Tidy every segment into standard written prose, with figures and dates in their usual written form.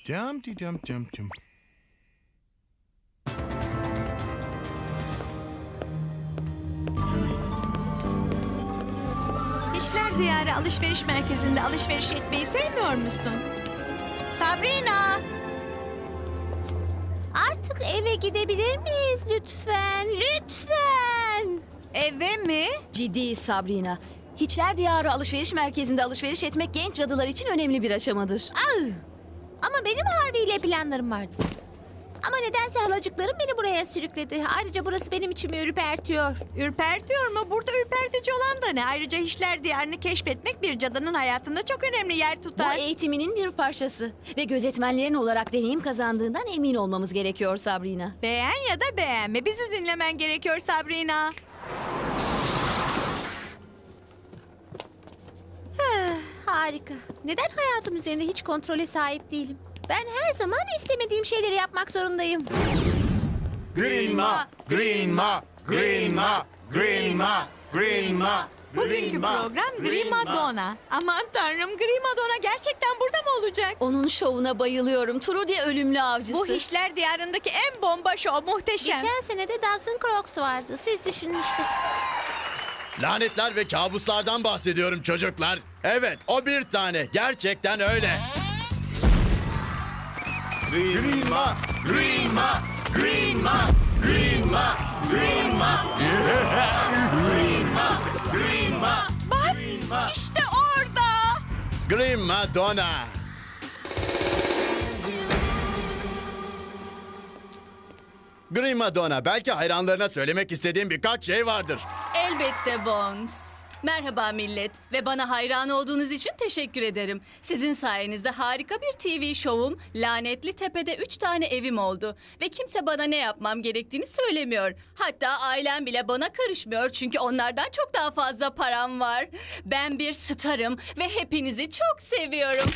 Cam di cam cam cam. İşler Diyarı alışveriş merkezinde alışveriş etmeyi sevmiyor musun? Sabrina! Artık eve gidebilir miyiz lütfen? Lütfen. Eve mi? Ciddi Sabrina. Hiçler Diyarı alışveriş merkezinde alışveriş etmek genç cadılar için önemli bir aşamadır. Ama benim Harvey ile planlarım vardı. Ama nedense halacıklarım beni buraya sürükledi. Ayrıca burası benim içimi ürpertiyor. Ürpertiyor mu? Burada ürpertici olan da ne? Ayrıca Hiçler Diyarı'nı keşfetmek bir cadının hayatında çok önemli yer Bu tutar. eğitiminin bir parçası ve gözetmenlerin olarak deneyim kazandığından emin olmamız gerekiyor Sabrina. Beğen ya da beğenme. Bizi dinlemen gerekiyor Sabrina. Harika. Neden hayatım üzerinde hiç kontrole sahip değilim? Ben her zaman istemediğim şeyleri yapmak zorundayım. Green ma, green ma, green ma, green ma, green ma. Bugünkü program Grima Donna. Aman tanrım, Grima Donna gerçekten burada mı olacak? Onun şovuna bayılıyorum. Trudy ölümlü avcısı. Bu Hiçler Diyarı'ndaki en bomba şov, muhteşem. Geçen sene de Dawson Crocs vardı. Siz düşünün işte. Lanetler ve kabuslardan bahsediyorum çocuklar. Evet, o bir tane. Gerçekten öyle. Green ma, Green ma, green ma, green ma, green ma. Green ma, green ma. Bak, işte orada. Green Madonna. Green Madonna, belki hayranlarına söylemek istediğim birkaç şey vardır. Elbette Bones. Merhaba millet ve bana hayran olduğunuz için teşekkür ederim. Sizin sayenizde harika bir TV şovum, Lanetli Tepe'de 3 tane evim oldu. Ve kimse bana ne yapmam gerektiğini söylemiyor. Hatta ailem bile bana karışmıyor çünkü onlardan çok daha fazla param var. Ben bir starım ve hepinizi çok seviyorum.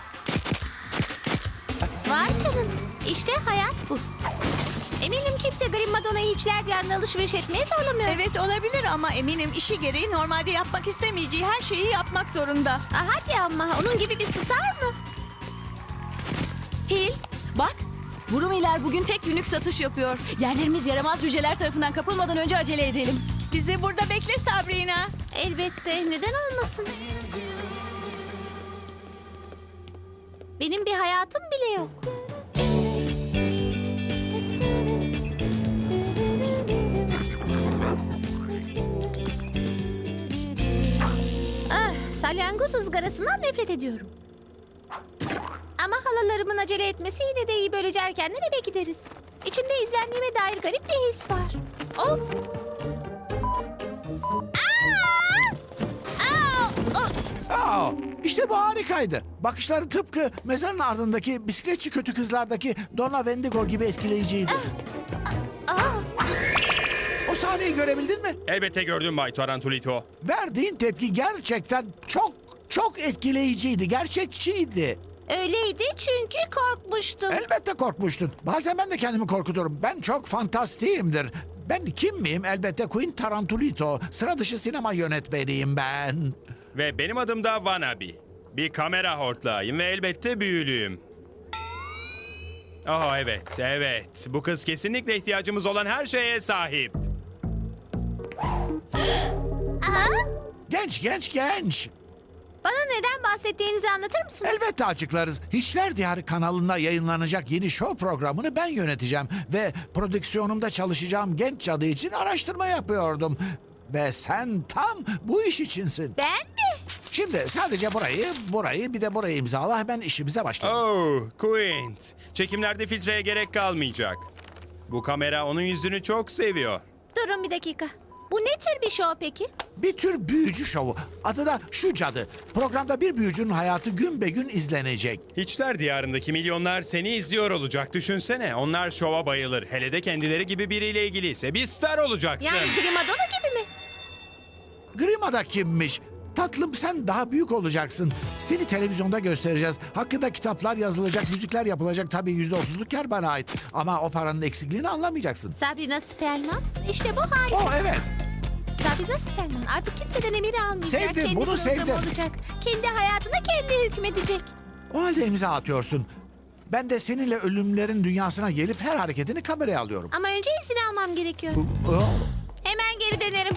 Vay canına. İşte hayat bu. Eminim kimse Grim Madonna'yı Hiçler Diyarı'na alışveriş etmeye zorlamıyor. Evet olabilir ama eminim işi gereği normalde yapmak istemeyeceği her şeyi yapmak zorunda. Hadi ama onun gibi bir star mı? Hil, bak. Brumiler bugün tek günlük satış yapıyor. Yerlerimiz yaramaz cüceler tarafından kapılmadan önce acele edelim. Bizi burada bekle Sabrina. Elbette. Neden olmasın? Benim bir hayatım bile yok. Salyangoz ızgarasından nefret ediyorum. Ama halalarımın acele etmesi yine de iyi, böylece erkenden eve gideriz. İçimde izlendiğime dair garip bir his var. Oh! İşte bu harikaydı. Bakışları tıpkı mezarın ardındaki bisikletçi kötü kızlardaki Donna Wendigo gibi etkileyiciydi. O sahneyi görebildin mi? Elbette gördüm Bay Tarantulito. Verdiğin tepki gerçekten çok etkileyiciydi. Gerçekçiydi. Öyleydi çünkü korkmuştum. Elbette korkmuştun. Bazen ben de kendimi korkuturum. Ben çok fantastiyimdir. Ben kim miyim? Elbette Queen Tarantulito. Sıra dışı sinema yönetmeniyim ben. Ve benim adım da Wannabe. Bir kamera hortlağıyım ve elbette büyülüyüm. Oh evet. Bu kız kesinlikle ihtiyacımız olan her şeye sahip. Genç. Bana neden bahsettiğinizi anlatır mısınız? Elbette açıklarız. Hiçler Diyarı kanalında yayınlanacak yeni show programını ben yöneteceğim. Ve prodüksiyonumda çalışacağım genç cadı için araştırma yapıyordum. Ve sen tam bu iş içinsin. Ben mi? Şimdi sadece burayı bir de burayı imzala, hemen işimize başlayalım. Oh, Quint. Çekimlerde filtreye gerek kalmayacak. Bu kamera onun yüzünü çok seviyor. Durun bir dakika. Bu ne tür bir show peki? Bir tür büyücü şovu. Adı da Şu Cadı. Programda bir büyücünün hayatı gün be gün izlenecek. Hiçler diyarındaki milyonlar seni izliyor olacak. Düşünsene, onlar şova bayılır. Hele de kendileri gibi biriyle ilgiliyse bir star olacaksın. Yani Primadonna gibi mi? Grima'da kimmiş? Tatlım, sen daha büyük olacaksın. Seni televizyonda göstereceğiz. Hakkında kitaplar yazılacak, müzikler yapılacak. Tabii %30'luk kar bana ait. Ama o paranın eksikliğini anlamayacaksın. Sabrina Spellman. İşte bu harika. Oh evet. Sabrina Spellman artık kimseden emir almayacak. Sevdim, Kendi bunu programı sevdim. olacak. Kendi hayatına kendi hükmedecek. O halde imza atıyorsun. Ben de seninle ölümlerin dünyasına gelip her hareketini kameraya alıyorum. Ama önce izin almam gerekiyor. Oh, Hemen geri dönerim.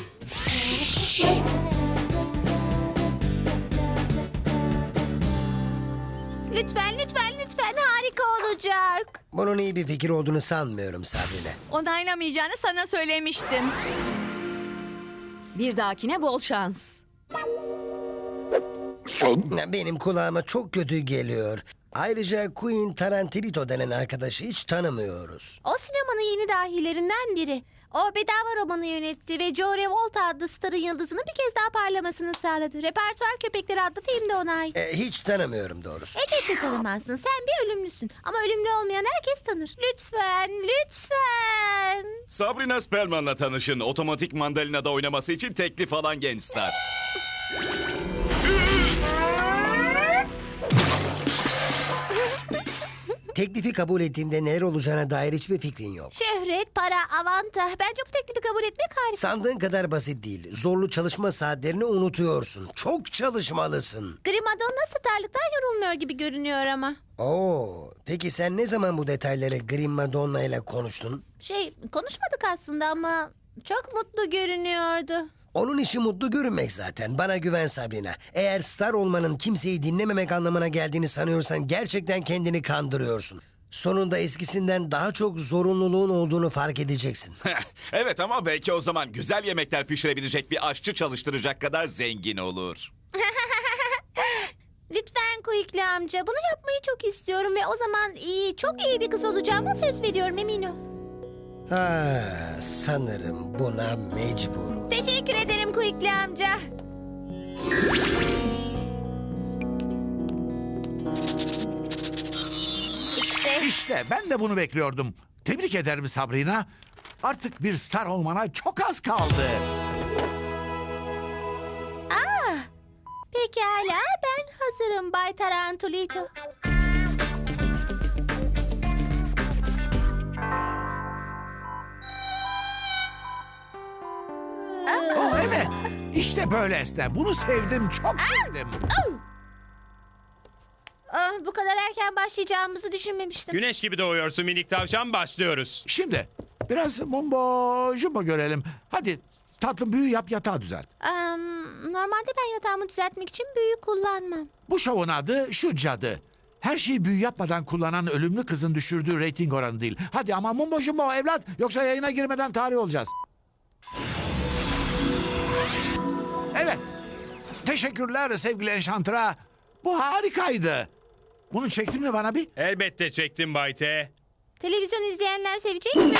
Lütfen, lütfen, lütfen. Harika olacak. Bunun iyi bir fikir olduğunu sanmıyorum Sabrina. Onaylamayacağını sana söylemiştim. Bir dahakine bol şans. Benim kulağıma çok kötü geliyor. Ayrıca Queen Tarantino denen arkadaşı hiç tanımıyoruz. O sinemanın yeni dahilerinden biri. O bedava romanı yönetti ve Joe Revolta adlı starın yıldızının bir kez daha parlamasını sağladı. Repertuar Köpekleri adlı film de ona ait. Hiç tanımıyorum doğrusu. Elbette tanımazsın. Sen bir ölümlüsün. Ama ölümlü olmayan herkes tanır. Lütfen, lütfen. Sabrina Spellman'la tanışın. Otomatik mandalinada oynaması için teklif alan genç star. Teklifi kabul ettiğinde neler olacağına dair hiçbir fikrin yok. Şöhret, para, avanta. Bence bu teklifi kabul etmek harika. Sandığın kadar basit değil. Zorlu çalışma saatlerini unutuyorsun. Çok çalışmalısın. Grimadonna starlıktan yorulmuyor gibi görünüyor ama. Oo, peki sen ne zaman bu detayları Grim Madonna ile konuştun? Konuşmadık aslında ama çok mutlu görünüyordu. Onun işi mutlu görünmek zaten. Bana güven Sabrina. Eğer star olmanın kimseyi dinlememek anlamına geldiğini sanıyorsan gerçekten kendini kandırıyorsun. Sonunda eskisinden daha çok zorunluluğun olduğunu fark edeceksin. Evet ama belki o zaman güzel yemekler pişirebilecek bir aşçı çalıştıracak kadar zengin olur. Lütfen Kuyuklu amca, bunu yapmayı çok istiyorum ve o zaman çok iyi bir kız olacağıma söz veriyorum Emino. Ha, sanırım buna mecburum. Teşekkür ederim Kuyuklu amca. İşte ben de bunu bekliyordum. Tebrik ederim Sabrina. Artık bir star olmana çok az kaldı. Pekala, ben hazırım Bay Tarantulito. Oh evet. İşte böyle esne. Bunu sevdim, çok sevdim. Bu kadar erken başlayacağımızı düşünmemiştim. Güneş gibi doğuyorsun minik tavşan, başlıyoruz. Şimdi biraz mumbo jumbo görelim. Hadi tatlım büyü yap, yatağı düzelt. Normalde ben yatağımı düzeltmek için büyü kullanmam. Bu şovun adı Şu Cadı. Her şeyi büyü yapmadan kullanan ölümlü kızın düşürdüğü reyting oranı değil. Hadi ama mumbo jumbo evlat, yoksa yayına girmeden tarih olacağız. Evet. Teşekkürler sevgili Enchantra. Bu harikaydı. Bunu çektin mi bana bir? Elbette çektim Bay T. Televizyon izleyenler sevecek mi?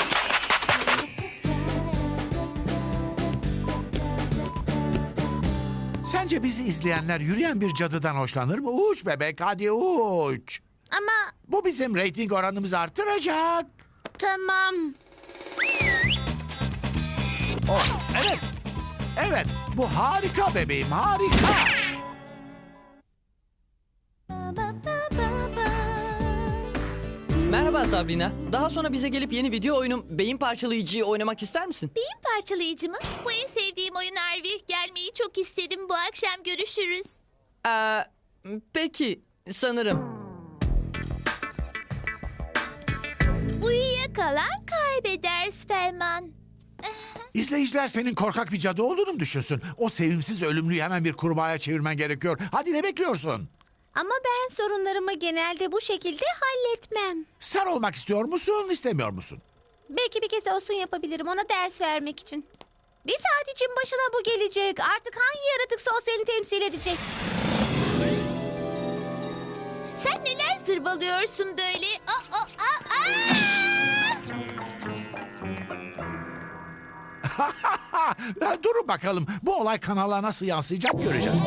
Sence bizi izleyenler yürüyen bir cadıdan hoşlanır mı? Uç bebek, hadi uç. Ama Bu bizim reyting oranımızı artıracak. tamam. Oh, evet. Evet, bu harika bebeğim, harika. Merhaba Sabrina. Daha sonra bize gelip yeni video oyunum Beyin Parçalayıcı'yı oynamak ister misin? Beyin parçalayıcı mı? Bu en sevdiğim oyun Harvey. Gelmeyi çok isterim. Bu akşam görüşürüz. Peki, sanırım. Uyuyakalan kaybeder Spellman. İzleyiciler senin korkak bir cadı olduğunu mu düşünsün? O sevimsiz ölümlüyü hemen bir kurbağaya çevirmen gerekiyor. Hadi ne bekliyorsun? Ama ben sorunlarımı genelde bu şekilde halletmem. Star olmak istiyor musun, istemiyor musun? Belki bir kez olsun yapabilirim ona ders vermek için. Bir saat için başına bu gelecek. Artık hangi yaratıksa o seni temsil edecek. Sen neler zırvalıyorsun böyle? Durun bakalım, bu olay kanala nasıl yansıyacak göreceğiz.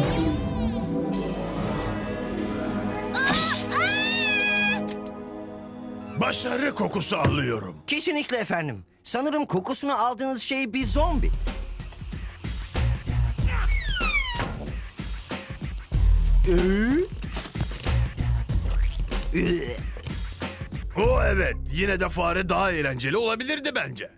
Başarı kokusu alıyorum. Kesinlikle efendim. Sanırım kokusunu aldığınız şey bir zombi. O evet, yine de fare daha eğlenceli olabilirdi bence.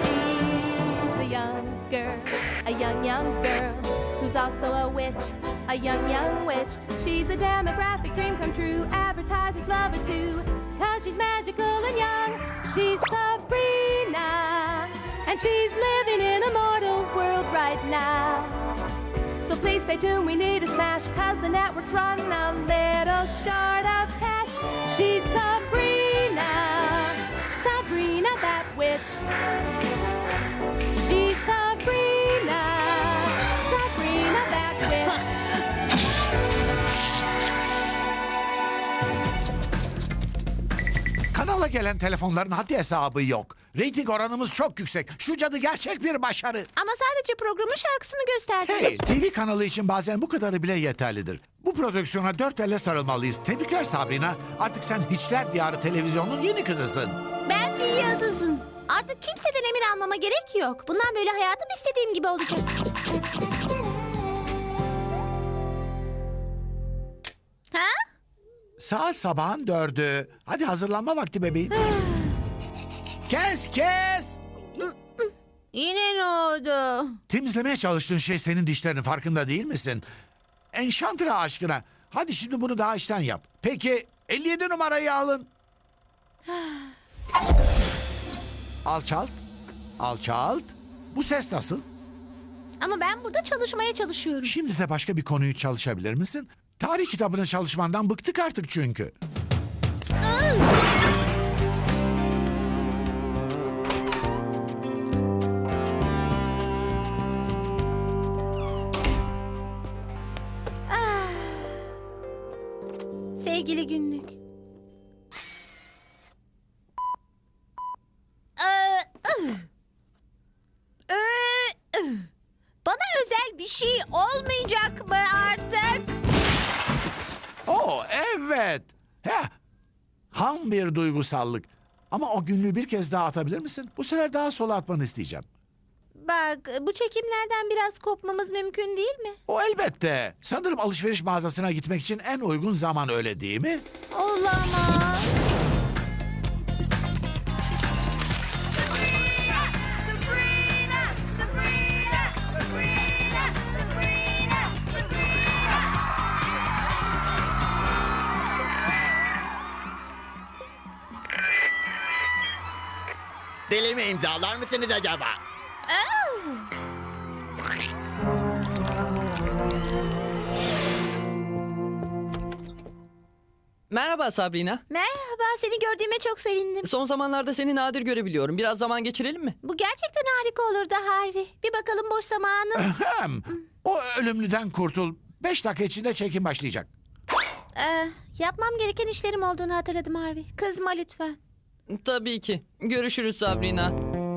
A young girl who's also a witch, a young witch. She's a demographic dream come true. Advertisers love her too, 'cause she's magical and young. She's Sabrina, and she's living in a mortal world right now. So please stay tuned, we need a smash, 'cause the network's run a little short of cash. She's Sabrina, Sabrina that witch. She's Sabrina, Sabrina that witch. Kanala gelen telefonların haddi hesabı yok. Reyting oranımız çok yüksek. Şu cadı gerçek bir başarı. Ama sadece programın şarkısını gösterdi. Hey, TV kanalı için bazen bu kadarı bile yeterlidir. Bu prodüksiyona 4 elle sarılmalıyız. Tebrikler Sabrina. Artık sen Hiçler Diyarı televizyonun yeni kızısın. Ben bir yıldızım. Artık kimseden emir almama gerek yok. Bundan böyle hayatım istediğim gibi olacak. Ha? Saat sabahın 4'ü. Hadi hazırlanma vakti bebeğim. Kes! Yine ne oldu? Temizlemeye çalıştığın şey senin dişlerin, farkında değil misin? Enşantre aşkına. Hadi şimdi bunu daha içten yap. Peki 57 numarayı alın. Alçalt. Bu ses nasıl? Ama ben burada çalışmaya çalışıyorum. Şimdi de başka bir konuyu çalışabilir misin? Tarih kitabını çalışmandan bıktık artık çünkü. Sevgili günlük. Bana özel bir şey olmayacak mı artık? Oo evet. Heh. Ham bir duygusallık. Ama o günlüğü bir kez daha atabilir misin? Bu sefer daha sola atmanı isteyeceğim. Bak, bu çekimlerden biraz kopmamız mümkün değil mi? O elbette. Sanırım alışveriş mağazasına gitmek için en uygun zaman, öyle değil mi? Olamaz. Deli mi imzalar mısınız acaba? Merhaba Sabrina. Merhaba, seni gördüğüme çok sevindim. Son zamanlarda seni nadir görebiliyorum. Biraz zaman geçirelim mi? Bu gerçekten harika olurdu Harvey. Bir bakalım boş zamanın. Ahem. O ölümlüden kurtul. 5 dakika içinde çekim başlayacak. Yapmam gereken işlerim olduğunu hatırladım Harvey. Kızma lütfen. Tabii ki. Görüşürüz Sabrina.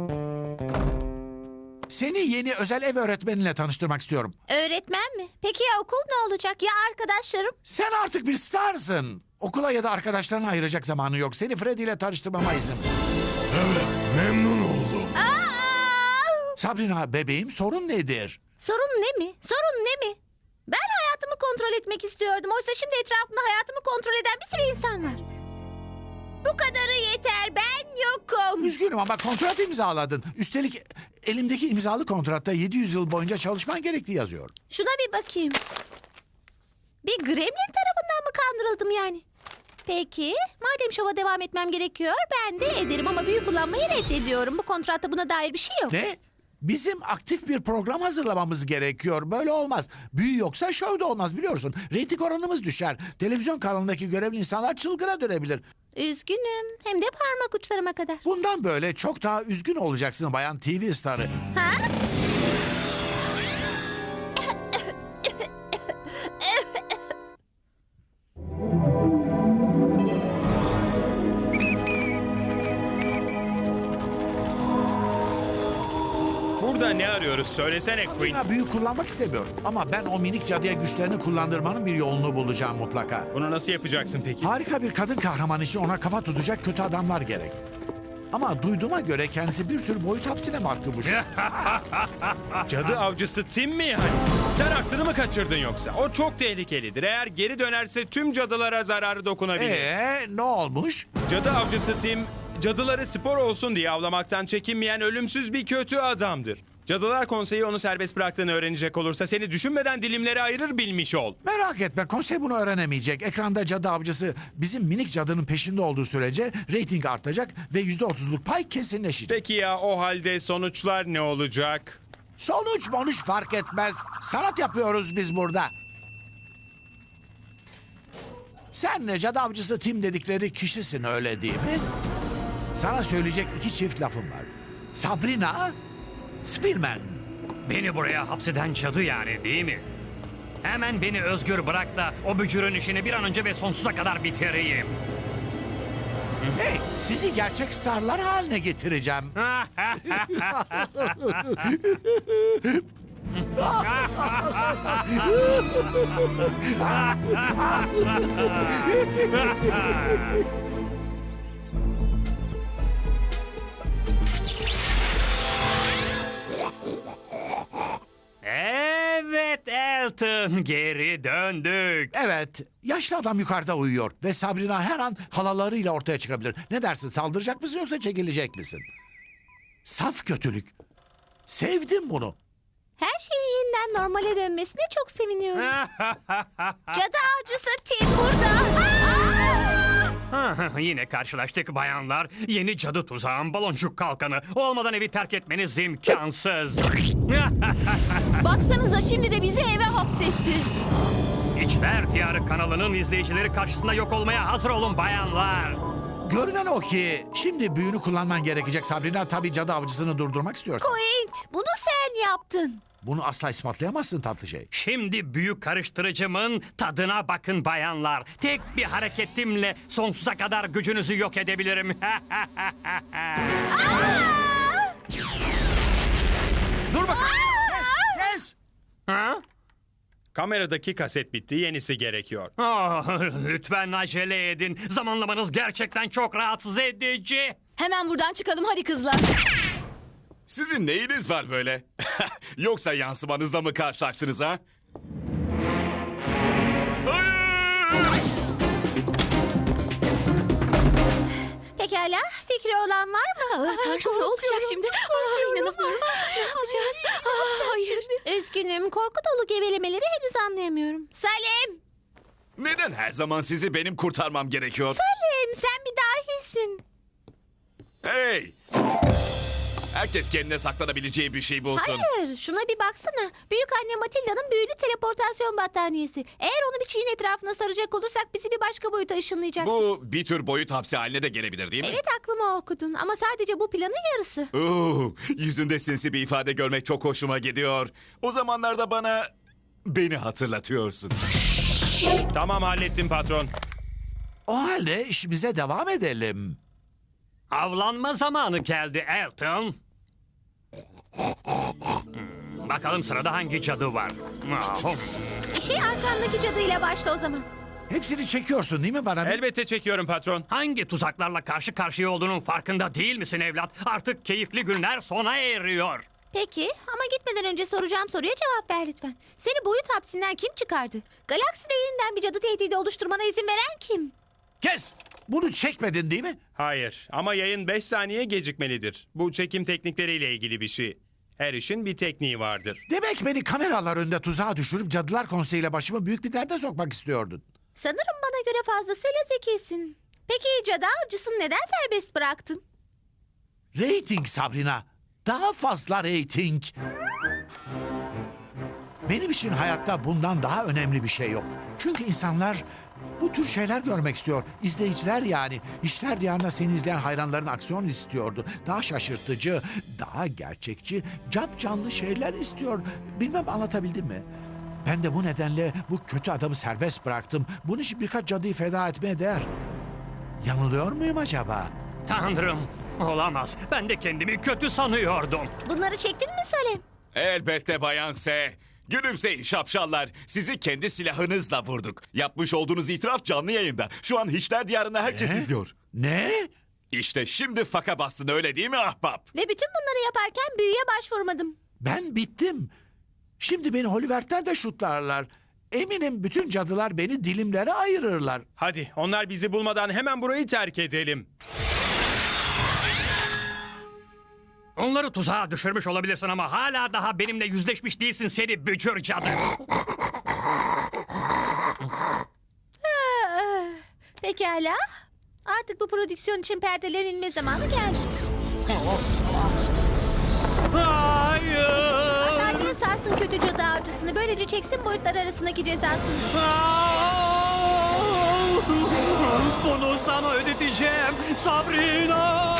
Seni yeni özel ev öğretmeninle tanıştırmak istiyorum. Öğretmen mi? Peki ya okul ne olacak? Ya arkadaşlarım? Sen artık bir starsın. Okula ya da arkadaşlarına ayıracak zamanı yok. Seni Freddy ile tanıştırmama izin. Evet, memnun oldum. Sabrina bebeğim, sorun nedir? Sorun ne mi? Sorun ne mi? Ben hayatımı kontrol etmek istiyordum. Oysa şimdi etrafımda hayatımı kontrol eden bir sürü insan var. Bu kadarı yeter. Ben yokum. Üzgünüm ama kontrat imzaladın. Üstelik elimdeki imzalı kontratta 700 yıl boyunca çalışman gerektiği yazıyor. Şuna bir bakayım. Bir gremlin tarafından mı kandırıldım yani? Peki, madem şova devam etmem gerekiyor, ben de ederim ama büyü kullanmayı reddediyorum. Bu kontratta buna dair bir şey yok. Ne? Bizim aktif bir program hazırlamamız gerekiyor. Böyle olmaz. Büyü yoksa şov da olmaz, biliyorsun. Reyting oranımız düşer. Televizyon kanalındaki görevli insanlar çılgına dönebilir. Üzgünüm. Hem de parmak uçlarıma kadar. Bundan böyle çok daha üzgün olacaksın bayan TV starı. Ha? Burada ne arıyoruz? Söylesene Queen. Sabrina büyü kullanmak istemiyorum. Ama ben o minik cadıya güçlerini kullandırmanın bir yolunu bulacağım mutlaka. Bunu nasıl yapacaksın peki? Harika bir kadın kahraman için ona kafa tutacak kötü adamlar gerek. Ama duyduğuma göre kendisi bir tür boyut hapsine mahkummuş. Cadı avcısı Tim mi yani? Sen aklını mı kaçırdın yoksa? O çok tehlikelidir. Eğer geri dönerse tüm cadılara zararı dokunabilir. Ne olmuş? Cadı avcısı Tim, cadıları spor olsun diye avlamaktan çekinmeyen ölümsüz bir kötü adamdır. Cadılar Konseyi onu serbest bıraktığını öğrenecek olursa seni düşünmeden dilimlere ayırır, bilmiş ol. Merak etme, konsey bunu öğrenemeyecek. Ekranda cadı avcısı bizim minik cadının peşinde olduğu sürece reyting artacak ve %30'luk pay kesinleşecek. Peki ya o halde sonuçlar ne olacak? Sonuç fark etmez. Sanat yapıyoruz biz burada. Sen ne cadı avcısı Tim dedikleri kişisin, öyle değil mi? Sana söyleyecek 2 çift lafım var. Sabrina, Spillman. Beni buraya hapseden cadı yani, değil mi? Hemen beni özgür bırak da o bücürün işini bir an önce ve sonsuza kadar bitireyim. Hey, sizi gerçek starlar haline getireceğim. Evet Elton, geri döndük. Evet, yaşlı adam yukarıda uyuyor ve Sabrina her an halalarıyla ortaya çıkabilir. Ne dersin, saldıracak mısın yoksa çekilecek misin? Saf kötülük. Sevdim bunu. Her şeyin yeniden normale dönmesine çok seviniyorum. Cadı avcısı Tim burada. Yine karşılaştık bayanlar. Yeni cadı tuzağım, baloncuk kalkanı. Olmadan evi terk etmeniz imkansız. Baksanıza şimdi de bizi eve hapsetti. İçler Diyarı kanalının izleyicileri karşısında yok olmaya hazır olun bayanlar. Görünen o ki şimdi büyünü kullanman gerekecek Sabrina. Tabii cadı avcısını durdurmak istiyorsan. Quint, bunu sen yaptın. Bunu asla ispatlayamazsın tatlı şey. Şimdi büyük karıştırıcımın tadına bakın bayanlar. Tek bir hareketimle sonsuza kadar gücünüzü yok edebilirim. Dur bakalım. Kes. Ha? Kameradaki kaset bitti, yenisi gerekiyor. Oh, lütfen acele edin. Zamanlamanız gerçekten çok rahatsız edici. Hemen buradan çıkalım hadi kızlar. Sizin neyiniz var böyle? Yoksa yansımanızla mı karşılaştınız ha? Pekala, fikri olan var mı? Tanrım ne olacak şimdi? İnanamıyorum. Ne yapacağız? Hayır. Üzgünüm, korku dolu gevelemeleri henüz anlayamıyorum. Salim! Neden her zaman sizi benim kurtarmam gerekiyor? Salim, sen bir dahisin. Hey! Herkes kendine saklanabileceği bir şey bulsun. Hayır, şuna bir baksana. Büyük anne Matilda'nın büyülü teleportasyon battaniyesi. Eğer onu bir çiğin etrafına saracak olursak bizi bir başka boyuta ışınlayacak. Bu bir tür boyut hapsi haline de gelebilir değil mi? Evet, aklıma okudun ama sadece bu planın yarısı. Yüzünde sinsi bir ifade görmek çok hoşuma gidiyor. O zamanlarda beni hatırlatıyorsun. Tamam, hallettim patron. O halde işimize devam edelim. Avlanma zamanı geldi Elton. Bakalım sırada hangi cadı var? İşe arkandaki cadıyla başla o zaman. Hepsini çekiyorsun değil mi bana? Elbette çekiyorum patron. Hangi tuzaklarla karşı karşıya olduğunun farkında değil misin evlat? Artık keyifli günler sona eriyor. Peki ama gitmeden önce soracağım soruya cevap ver lütfen. Seni boyut hapsinden kim çıkardı? Galakside yeniden bir cadı tehdidi oluşturmana izin veren kim? Kes! Bunu çekmedin değil mi? Hayır, ama yayın 5 saniye gecikmelidir. Bu çekim teknikleriyle ilgili bir şey. Her işin bir tekniği vardır. Demek beni kameralar önünde tuzağa düşürüp Cadılar Konseyi'yle başımı büyük bir derde sokmak istiyordun. Sanırım bana göre fazlasıyla zekisin. Peki cadı avcısını neden serbest bıraktın? Rating Sabrina. Daha fazla rating. Benim için hayatta bundan daha önemli bir şey yok. Çünkü insanlar bu tür şeyler görmek istiyor. İzleyiciler yani. İşler Diyarı'nda seni izleyen hayranların aksiyon istiyordu. Daha şaşırtıcı, daha gerçekçi, capcanlı şeyler istiyor. Bilmem anlatabildim mi? Ben de bu nedenle bu kötü adamı serbest bıraktım. Bunun için birkaç cadıyı feda etmeye değer. Yanılıyor muyum acaba? Tanrım, olamaz. Ben de kendimi kötü sanıyordum. Bunları çektin mi Salim? Elbette Bayan S. Gülümseyin şapşallar. Sizi kendi silahınızla vurduk. Yapmış olduğunuz itiraf canlı yayında. Şu an Hiçler Diyarı'nda herkes izliyor. Ne? İşte şimdi faka bastın, öyle değil mi ahbap? Ve bütün bunları yaparken büyüye başvurmadım. Ben bittim. Şimdi beni Hollywood'den de şutlarlar. Eminim bütün cadılar beni dilimlere ayırırlar. Hadi, onlar bizi bulmadan hemen burayı terk edelim. Onları tuzağa düşürmüş olabilirsin ama hala daha benimle yüzleşmiş değilsin seni bücür cadı. Pekala. Artık bu prodüksiyon için perdelerin inme zamanı geldi. Hayır. Adalet sarsın kötü cadı avcısını. Böylece çeksin boyutlar arasındaki cezasını. Bunu sana ödeteceğim Sabrina.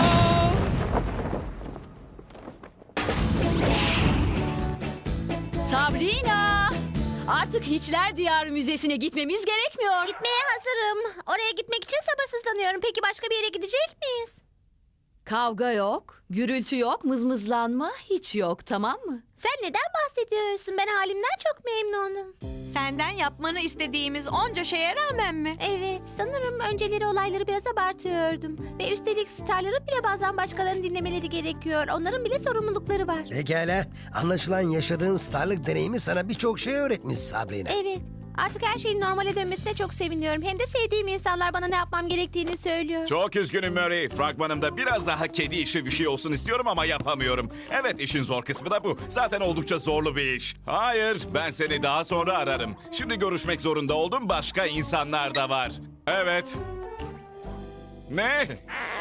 Sabrina! Artık Hiçler Diyarı Müzesi'ne gitmemiz gerekmiyor. Gitmeye hazırım. Oraya gitmek için sabırsızlanıyorum. Peki başka bir yere gidecek miyiz? Kavga yok, gürültü yok, mızmızlanma hiç yok, tamam mı? Sen neden bahsediyorsun? Ben halimden çok memnunum. Senden yapmanı istediğimiz onca şeye rağmen mi? Evet, sanırım önceleri olayları biraz abartıyordum. Ve üstelik starların bile bazen başkalarını dinlemeleri gerekiyor. Onların bile sorumlulukları var. Pekala. Anlaşılan yaşadığın starlık deneyimi sana birçok şey öğretmiş Sabrina. Evet, artık her şeyin normale dönmesine çok seviniyorum. Hem de sevdiğim insanlar bana ne yapmam gerektiğini söylüyor. Çok üzgünüm Murray. Fragmanımda biraz daha kedi işi bir şey olsun istiyorum ama yapamıyorum. Evet, işin zor kısmı da bu. Zaten oldukça zorlu bir iş. Hayır, ben seni daha sonra ararım. Şimdi görüşmek zorunda olduğum başka insanlar da var. Evet. Ne?